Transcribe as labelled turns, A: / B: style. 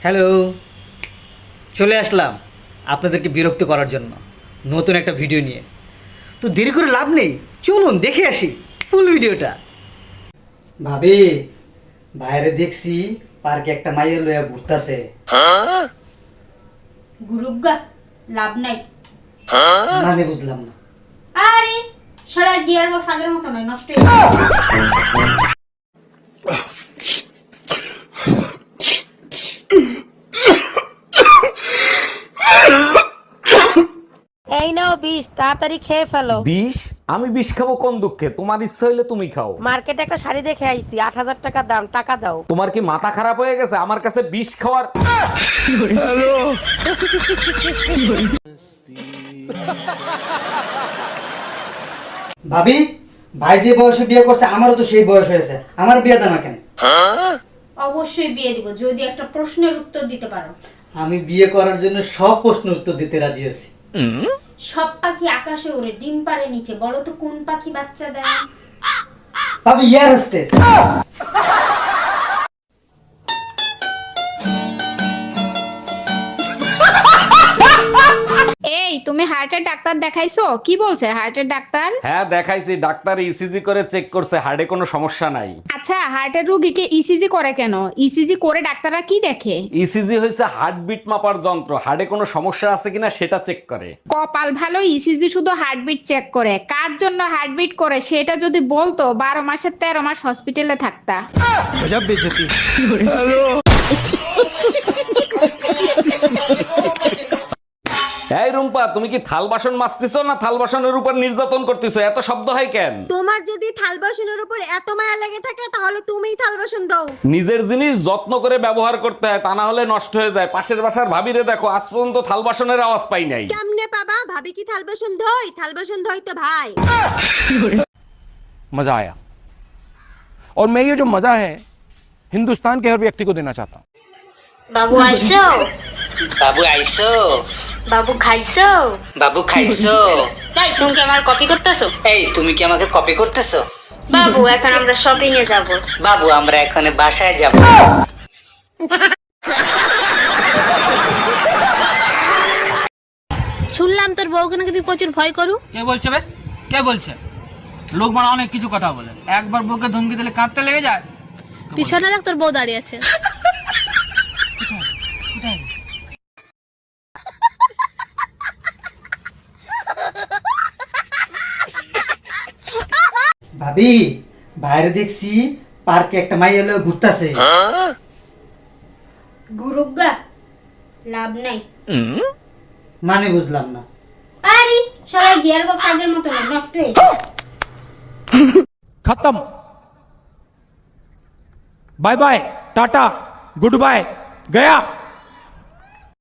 A: Hello, চলে আসলাম আপনাদেরকে বিরক্ত করার জন্য নতুন একটা ভিডিও নিয়ে। তো দেরি করে লাভ নেই, চলুন দেখে আসি ফুল ভিডিওটা। ভাবি, বাইরে দেখছি পার্কে একটা মাইয়া লইয়া ঘুরতাছে।
B: গুরুগা লাভ নাই।
A: মানে বুঝলাম না।
B: আরে শালার গিয়ার বক্স আগের মতো নয়, নষ্ট হয়ে গেছে।
C: এই নাও বিষ, তাড়াতাড়ি খেয়ে ফেলো।
D: বিষ? আমি বিষ খাবো কোন দুঃখে? তোমার ইচ্ছা হইলে তুমি খাও।
C: মার্কেটে একটা শাড়ি দেখে আইছি, 8,000 টাকা দাম, টাকা দাও।
D: তোমার কি মাথা খারাপ হয়ে গেছে আমার কাছে বিষ খাওয়ার?
A: ভাবি, ভাই যে বয়সে বিয়ে করছে আমারও তো সেই বয়স হয়েছে, আমার বিয়ে দেন না কেন?
B: অবশ্যই বিয়ে দিব যদি একটা প্রশ্নের উত্তর দিতে পারো।
A: আমি বিয়ে করার জন্য সব প্রশ্ন উত্তর দিতে রাজি আছি।
B: সব পাখি আকাশে উড়ে, ডিম পারে নিচে, বলো তো কোন পাখি বাচ্চা দেয়?
A: ভাবি, এয়ার হোস্টেস।
E: এই তুমি হার্টের ডাক্তার দেখাইছো? কি বলছে হার্টের ডাক্তার?
D: হ্যাঁ দেখাইছি, ডাক্তার ইসিজি করে চেক করছে, হার্টে কোনো সমস্যা নাই।
E: আচ্ছা, হার্টের রোগীকে ইসিজি করে কেন? ইসিজি করে ডাক্তাররা কি দেখে?
D: ইসিজি হয়েছে হার্টবিট মাপার যন্ত্র, হার্টে কোনো সমস্যা আছে কিনা সেটা চেক করে।
E: কপাল ভালো, ইসিজি শুধু হার্টবিট চেক করে। কার জন্য হার্টবিট করে সেটা যদি বলতো 12 মাসের 13 মাস হসপিটালে থাকতা।
D: এই রুম্পা, তুমি কি থাল বাসন মাজতেছো না থাল বাসনের উপর নির্যাতন করতেছো? এত শব্দ হয় কেন?
F: তোমার যদি থাল বাসনের উপর এত মায়া লেগে থাকে তাহলে তুমিই থাল বাসন দাও।
D: নিজের জিনিস যত্ন করে ব্যবহার করতে হয়, তা না হলে নষ্ট হয়ে যায়। পাশের বাসার ভাবিরে দেখো, আজ পর্যন্ত থাল বাসনের আওয়াজ পাই নাই।
F: কেমনে পাবা? ভাবি কি থাল বাসন ধোয়? থাল বাসন ধোয় তো ভাই।
G: मजा आया और मैं ये जो मजा है हिंदुस्तान के हर व्यक्ति को देना चाहता हूँ।
B: বাবু আইছো?
A: বাবু আইসো?
B: বাবু খাইছো?
A: বাবু খাইছো?
B: তাই তুমি কি আমার কপি করতেছো?
A: এই, তুমি কি আমাকে কপি করতেছো?
B: বাবু এখন আমরা শপিং এ যাব।
A: বাবু, আমরা এখন বাসায় যাব।
F: শুনলাম তোর বউকে নাকি তুই প্রচুর ভয় করু।
H: কে বলছে বে? কে বলছে? লোক মানে অনেক কিছু কথা বলে, একবার বউকে ধমকি দিলে কাঁদতে লেগে যায়।
F: পিছনে দেখ তোর বউ দাঁড়িয়ে আছে।
A: ভাবি, বাইরে দেখছি পার্কে একটা মাইয়া লইয়া ঘুরতাছে।
B: গুরুগা লাভ নাই।
A: মানে বুঝলাম না।
B: আরে শালার গিয়ার বক্স আগের মতো নয়, নষ্ট হয়ে গেছে।
G: खत्म, bye bye, tata, goodbye, गया।